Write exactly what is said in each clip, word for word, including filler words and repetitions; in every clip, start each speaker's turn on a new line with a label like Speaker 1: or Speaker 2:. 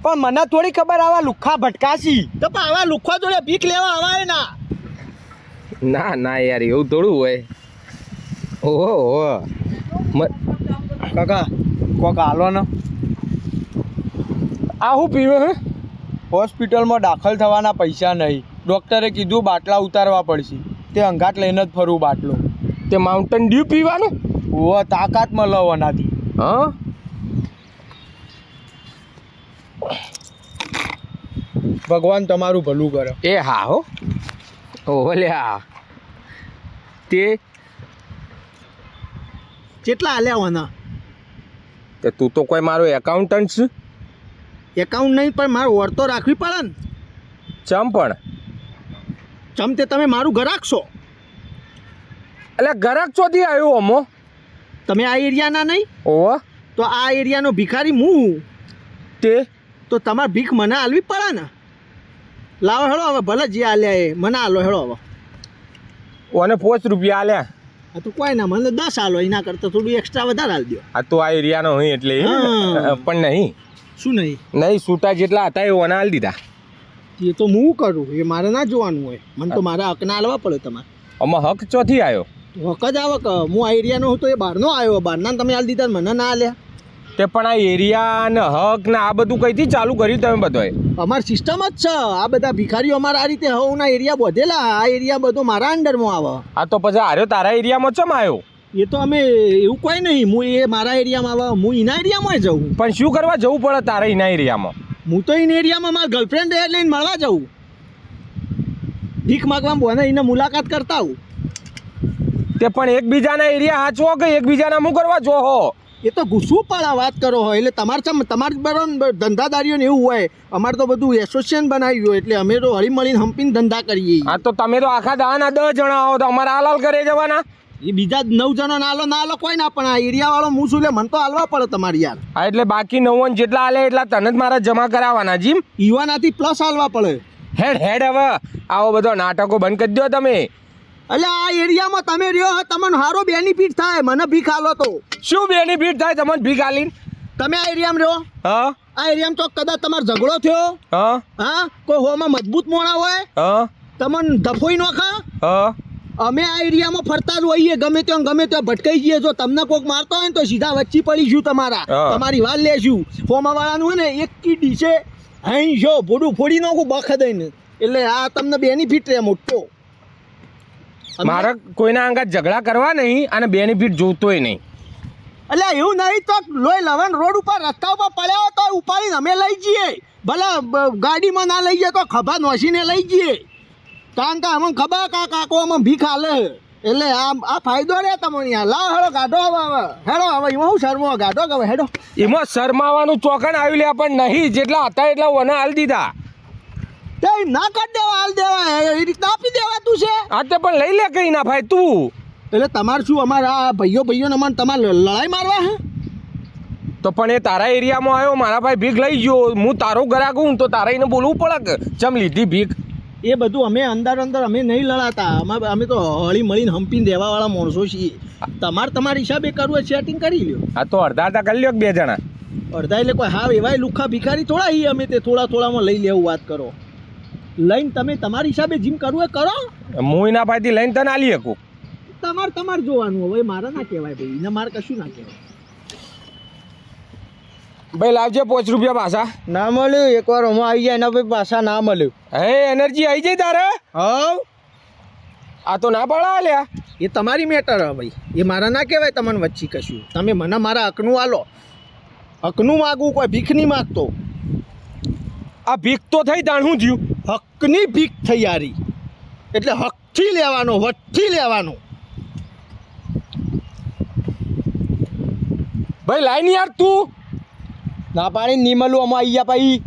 Speaker 1: પણ મને થોડી ખબર આવા લુખ્ખા ભટકાશી
Speaker 2: તો પણ આવા લુખ્ખા જોડે ભીખ લેવા આવાય ના
Speaker 3: ના ના યાર એવું થોડું હોય. ઓહો ઓહો
Speaker 1: કાકા કોક હાલો ને.
Speaker 3: આ શું પીવે હે?
Speaker 1: હોસ્પિટલમાં દાખલ થવાના પૈસા નહીં. ડૉક્ટરે કીધું બાટલા ઉતારવા પડશે. તે અંગાટ લઈને જ ફરું બાટલો.
Speaker 3: તે માઉન્ટેન ડ્યુ પીવાનું?
Speaker 1: ઓ તાકાત મળે એનાથી.
Speaker 3: હા
Speaker 1: ભગવાન તમારું ભલું કરે.
Speaker 3: એ હા હો. ઓહો લ્યા તે
Speaker 2: કેટલા હાલ્યા હોના?
Speaker 3: તે તું તો કોઈ મારો એકાઉન્ટન્ટ છે.
Speaker 2: એકાઉન્ટ નહીં પણ મારે ઓર તો રાખવી પડે ને.
Speaker 3: ચમ પણ
Speaker 2: ચમ તે તમે મારું ઘરાક છો.
Speaker 3: એટલે ગરાક ચોથી આવ્યો અમો?
Speaker 2: તમે આ એરિયાના નહીં?
Speaker 3: ઓહો.
Speaker 2: તો આ એરિયાનો ભિખારી હું.
Speaker 3: તે
Speaker 2: તો તમારે ભીખ મને આલવી પડે ને. લાવો હેડો હવે ભલે જે આલ્યા એ મને આલો હેડો હવે.
Speaker 3: ઓને પાંચ રૂપિયા આલ્યા.
Speaker 2: આ તો કોઈ ના મને દસ આલો એના કરતાં થોડું એક્સ્ટ્રા વધારે આલ દો.
Speaker 3: આ તો આ એરિયાનો હોય એટલે
Speaker 2: હા.
Speaker 3: પણ નહીં
Speaker 2: શું નહીં?
Speaker 3: નહીં છૂટા જેટલા હતા એ ઓને આલી દીધા.
Speaker 2: એ તો હું કરું એ મારે ના જોવાનું હોય. મને તો મારા હકના આલવા પડે તમારે.
Speaker 3: આમાં હક ચોથી આવ્યો?
Speaker 2: હક જ આવે કે હું આ એરિયાનો હું તો એ બહારનો આવ્યો. બહારના તમે આલી દીધા મને ના આલ્યા.
Speaker 3: તે પણ આ એરિયા ને હક ને આ બધું કઈથી ચાલુ કર્યું તમે બધાએ?
Speaker 2: અમારી સિસ્ટમ જ છે. આ બધા ભિખારીઓ અમારા આ રીતે હવના એરિયા બધેલા. આ એરિયા બધો મારા અંડરમાં આવે.
Speaker 3: આ તો પછી આર્યો તારા એરિયામાં ચમ આવ્યો?
Speaker 2: એ તો અમે એવું કોઈ નહીં. હું એ મારા એરિયામાં આવે હું એના એરિયામાં જઉં.
Speaker 3: પણ શું કરવા જવું પડે તારા એના એરિયામાં?
Speaker 2: હું તો એના એરિયામાં મારા ગર્લફ્રેન્ડ લઈને મળવા જાઉં. ભીખ માગવા બોને એને મુલાકાત કરતા આવું.
Speaker 3: તે પણ એકબીજાના એરિયા હાચવો કે એકબીજાના શું કરવા જો હો?
Speaker 2: એ તો ગુસ્સું પણ વાત કરો હોય એટલે તમારે ચમ તમારે બરાબર ધંધાદારીઓને એવું હોય. અમારે તો બધું એસોસિએશન બનાવ્યું હોય એટલે અમે તો હળી મળીને હંપીને ધંધા કરીએ.
Speaker 3: હા તો તમે તો આખા દાના દસ જણા આવો તો અમારા હાલાલ કરે જવાના?
Speaker 2: એ બીજા નવ જણા નાલો ના આલો કોઈ ના પણ આ એરિયાવાળો હું શું લે મને તો હાલવા પડે તમારે યાર.
Speaker 3: હા એટલે બાકી નવ્વાણ જેટલા હાલે એટલા તને જ મારા જમા કરાવવાના જીમ.
Speaker 2: યુવાનાથી પ્લસ હાલવા પડે.
Speaker 3: હેડ હેડ હવે આવો બધો નાટકો બંધ કરી દો તમે.
Speaker 2: એટલે આ એરિયામાં તમે રહ્યો તમને સારો બેનિફિટ થાય. મને ભીખ આલો તો
Speaker 3: શું બેનિફિટ થાય તમને ભીખ આલીને?
Speaker 2: તમે આ એરિયામાં રહ્યો.
Speaker 3: હા
Speaker 2: આ એરિયામાં તો કદાચ તમારો ઝઘડો થયો.
Speaker 3: હા
Speaker 2: હા કોઈ હોમાં મજબૂત મોણા હોય
Speaker 3: હા
Speaker 2: તમને ધફોઈ નોખા.
Speaker 3: હા
Speaker 2: અમે આ એરિયામાં ફરતા જ હોઈએ. ગમે ત્યાં ગમે ત્યાં ભટકાઈ જઈએ. જો તમને કોઈક મારતો હોય ને તો સીધા વચ્ચે પડીશું તમારા. તમારી વાત લેશું. હોમાવાળાનું હોય ને એક કી ડીશે અહીં જો ભોડું ફોડી નાખું બખ દઈને. એટલે આ તમને બેનિફિટ રહે મોટો.
Speaker 3: મારે કોઈના અંગત ઝઘડા કરવા નહીં અને બેનિફિટ જોતોય નહીં.
Speaker 2: એટલે એવું નહીં તો લોહી લવણ રોડ ઉપર રસ્તા ઉપર પડ્યા તો ઉપાડીને અમે લઈ જઈએ. ભલે ગાડીમાં ના લઈ જઈએ તો ખભા નોસીને લઈ જઈએ. કારણ કે અમને ખબર કા કાકો અમે ભીખ હાલે. એટલે આ આ ફાયદો રહે તમને યાર. લાવ હેડો ગાઢો હવે હવે હેડો હવે એમાં હું શરમો ગાઢો કે હવે હેડો.
Speaker 3: એમાં શરમાવાનું ચોકણ આવી લે પણ નહીં જેટલા હતા એટલા ઓને હાલ દીધા.
Speaker 2: તે ના કાઢ દેવા હાલ દેવા એ રીતના આપી દેવા તું છે.
Speaker 3: હા તે પણ લઈ લે કઈ ના ભાઈ તું.
Speaker 2: એટલે તમારે શું અમારા ભાઈઓ ભાઈઓને અમારે તમારે લડાઈ મારવા હે?
Speaker 3: તો પણ એ તારા એરિયામાં આવ્યો મારા ભાઈ ભીખ લઈ ગયો. હું તારો ગ્રાહક હું તો તારા એને બોલવું પડે કે ચમ લીધી ભીખ.
Speaker 2: એ બધું અમે અંદર અંદર અમે નહીં લડાતા. અમે અમે તો હળી મળીને હંપીને દેવાવાળા માણસો છીએ. તમારે તમારા હિસાબે કરવું એ સેટિંગ કરી લ્યો.
Speaker 3: હા તો અડધા અડધા કરી લ્યો બે જણા.
Speaker 2: અડધા એટલે કોઈ હા એવાય લુખ્ખા ભિખારી થોડા છીએ અમે. તે થોડા થોડામાં લઈ લેવું વાત કરો. લઈને તમે તમારી હિસાબે જીમ કરવું એ કરો.
Speaker 3: હું એના ભાઈથી લઈને તને આલી શકું.
Speaker 2: તમારે તમારે જોવાનું હવે મારે ના કહેવાય ભાઈ. એને મારે કશું ના કહેવાય.
Speaker 3: ભાઈ લાવજે પાંચ રૂપિયા પાછા.
Speaker 1: ના મળ્યું એકવાર હું આવી જાય એના પછી પાછા ના મળ્યું.
Speaker 3: હે એનર્જી આવી જાય તારે?
Speaker 1: હવ
Speaker 3: આ તો ના પાડા લ્યા.
Speaker 2: એ તમારી મેટર હે ભાઈ. એ મારા ના કહેવાય તમને વચ્ચે કશું. તમે મને મારા હકનું આલો. હકનું માગવું કોઈ ભીખ નહીં માગતો.
Speaker 3: આ ભીખ તો થઈ તાણ શું થયું?
Speaker 2: હકની ભીખ થઈ યારી. એટલે હકથી લેવાનો વટથી લેવાનો.
Speaker 3: ભાઈ લાઈન યાર તું.
Speaker 1: ના પાડી નહીં મળું અમે આવી ગયા પછી.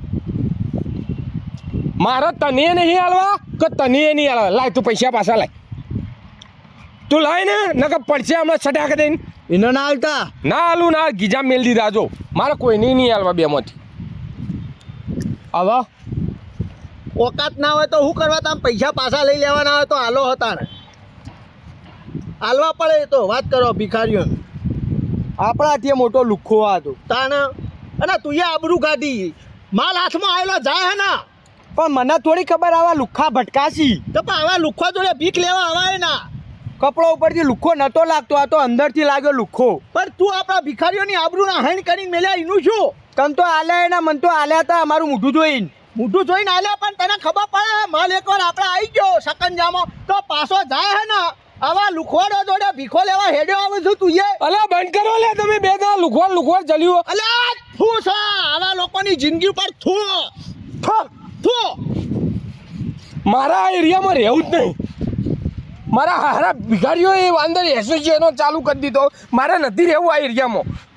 Speaker 3: મારે તને નહીં હાલવા કે તને નહીં હાલવા. લાય તું પૈસા પાછા લાય. તું લાય ને નકર પડશે હમણાં છટાક દઈને.
Speaker 1: એને ના હાલતા.
Speaker 3: ના હાલું ના ગીજા મેલ દીધા જો. મારે કોઈને નહીં હાલવા બેમાંથી.
Speaker 1: હવે
Speaker 2: ઓકાત ના હોય તો શું કરવા? તમે પૈસા પાછા લઈ લેવાના હોય તો હાલો હતા ને હાલવા પડે. તો વાત કરો ભિખારીઓને.
Speaker 1: આપણા ત્યાં મોટો લુખ્ખો હતો
Speaker 2: તાને અને તું એ આબરૂ કાઢી. માલ હાથમાં આવેલો જાય હે ના
Speaker 1: પણ મને થોડી ખબર આવા લુખ્ખા ભટકાશી
Speaker 2: તો પણ આવા લુખ્ખો જોડે ભીખ લેવા આવાય ના
Speaker 1: કપડો ઉપરથી લુખ્ખો નતો લાગતો આ તો અંદરથી લાગ્યો લુખ્ખો
Speaker 2: પણ તું આપણા ભિખારીઓની આબરૂના હાઈન કરીને મેલ્યા એનું શું
Speaker 1: તને તો આલ્યા એના મન તો આલ્યા હતા અમારું મોઢું જોઈને
Speaker 2: મોઢું જોઈને આલ્યા પણ તને ખબર પડે માલ એકવાર આપણે આવી ગયો સકંજામાં તો પાછો જાય હે ને આવા લુખવાડો જોડે ભીખો લેવા હેડ્યો આવે છું તું એ
Speaker 3: અલે બંધ કરો લે તમે બે દાડા લુખવાડ લુખવાડ ચલ્યું
Speaker 2: અલ્યા થૂ છે આવા લોકોની જિંદગી ઉપર થૂ થૂ થૂ
Speaker 3: મારા આ એરિયામાં રહેવું જ નહીં મારા હારા ભિખારીઓ એ અંદર એસોસિએશનો ચાલુ કરી દીધો મારે નથી રહેવું આ એરિયામાં